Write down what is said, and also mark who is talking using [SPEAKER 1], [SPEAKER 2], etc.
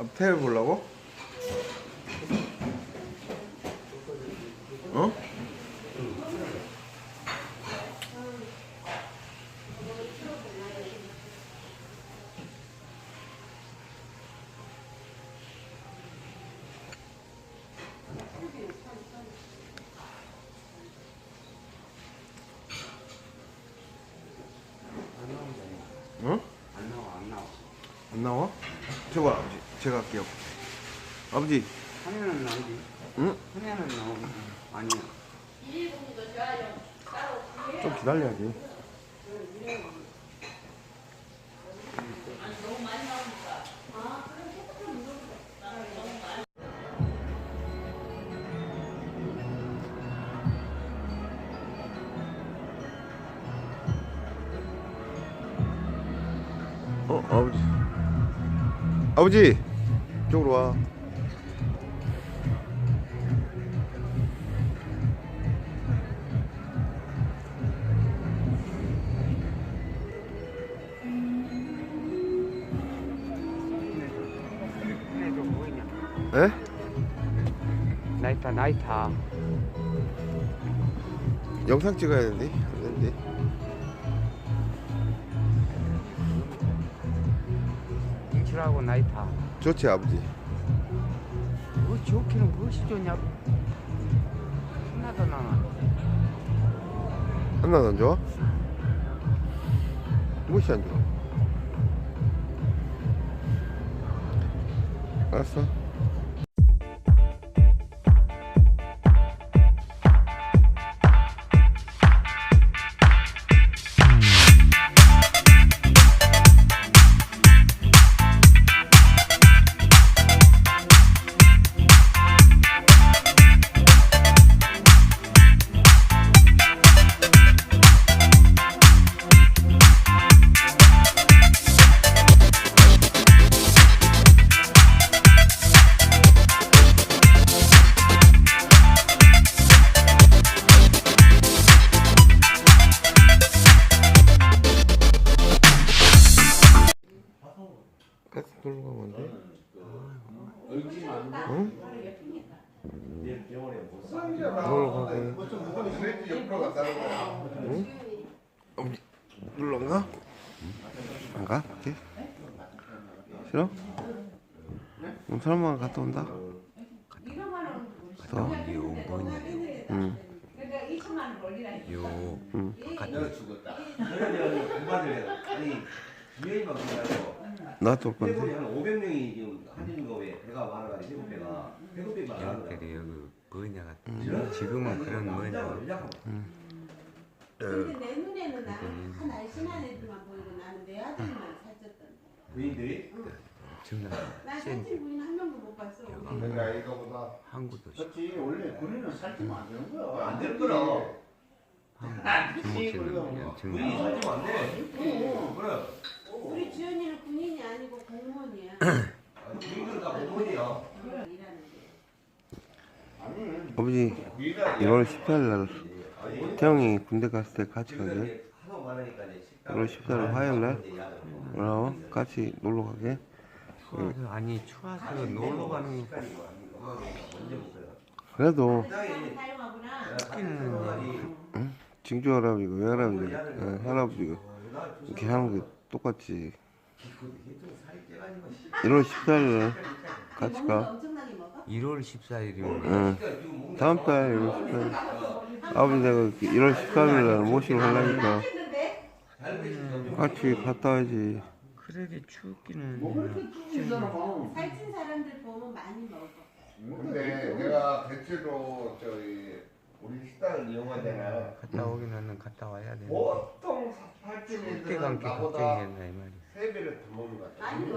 [SPEAKER 1] 앞태를 보려고? 어? 응? 안 나와? 저거 아버지 제가 할게요. 아버지
[SPEAKER 2] 화면은 나오지.
[SPEAKER 1] 응?
[SPEAKER 2] 화면은 나오지. 아니야.
[SPEAKER 1] 좀 기다려야지. 아버지 아버지 이쪽으로 와.
[SPEAKER 2] 화면에 좀 보이냐?
[SPEAKER 1] 에?
[SPEAKER 2] 나이타.
[SPEAKER 1] 영상 찍어야 되는데 안 되는데.
[SPEAKER 2] 인출하고 나이타.
[SPEAKER 1] 좋지 아버지.
[SPEAKER 2] 뭐 좋기는 무엇이 좋냐? 하나도 나나.
[SPEAKER 1] 하나도 안 좋아? 무엇이 안 좋아? 알았어. 가스 놀러 가면 안 돼? 응? 놀러 가게. 응? 어머니 놀러 안 가? 안 가? 이렇게? 싫어? 그럼 설마 갔다 온다? 갔다 와? 응. 응. 나도 올 건데.
[SPEAKER 3] 한 500명이 지금 하는 거 왜 배가 많아가지고 배가 많아.
[SPEAKER 2] 여기 뭐냐가 지금은 그런 뭐냐.
[SPEAKER 4] 근데 내 눈에는 나는 다 날씬한 애들만 보이고 나는 내 아들만 살쪘던데.
[SPEAKER 3] 부인들이?
[SPEAKER 4] 난 살찐 부인 한 명도 못 봤어.
[SPEAKER 5] 내가 이거보다
[SPEAKER 2] 한국도
[SPEAKER 5] 그렇지 원래 군인은 살찌면 안 되는 거야.
[SPEAKER 3] 안 될 거라.
[SPEAKER 2] 중국집은
[SPEAKER 3] 부인이 살찌면 안 돼. 그래.
[SPEAKER 4] 우리 주연이는 군인이 아니고 공무원이야.
[SPEAKER 3] 부인들은 다 공무원이야.
[SPEAKER 1] 아버지 1월 14일 날 태영이 군대 갔을 때 같이 가게. 1월 14일 화요일 날 같이 놀러 가게.
[SPEAKER 2] 아니 추워서 놀러 가는 거.
[SPEAKER 1] 그래도
[SPEAKER 4] 사용하구나.
[SPEAKER 1] 응? 징조 할아버지고 외할아버지고 할아버지고 이렇게 하는 게 똑같지. 1월 14일 날 같이 가.
[SPEAKER 4] 엄청나게 먹어?
[SPEAKER 2] 1월 14일이면
[SPEAKER 1] 응. 다음 달 1월 14일. 아버지 내가 1월 14일 날 모시고 가려니까 같이 갔다 와야지.
[SPEAKER 2] 그러게 춥기는.
[SPEAKER 4] 살찐 사람들 보면 많이 먹어.
[SPEAKER 5] 근데 내가 대체로 우리 식당을 이용하잖아.
[SPEAKER 2] 갔다 오기는 갔다 와야 돼.
[SPEAKER 5] 보통 살찐
[SPEAKER 2] 춥게
[SPEAKER 5] 애들은
[SPEAKER 2] 감기
[SPEAKER 5] 나보다
[SPEAKER 2] 걱정이겠네 이 말이야.
[SPEAKER 5] 3배를 더 먹는 것 같아.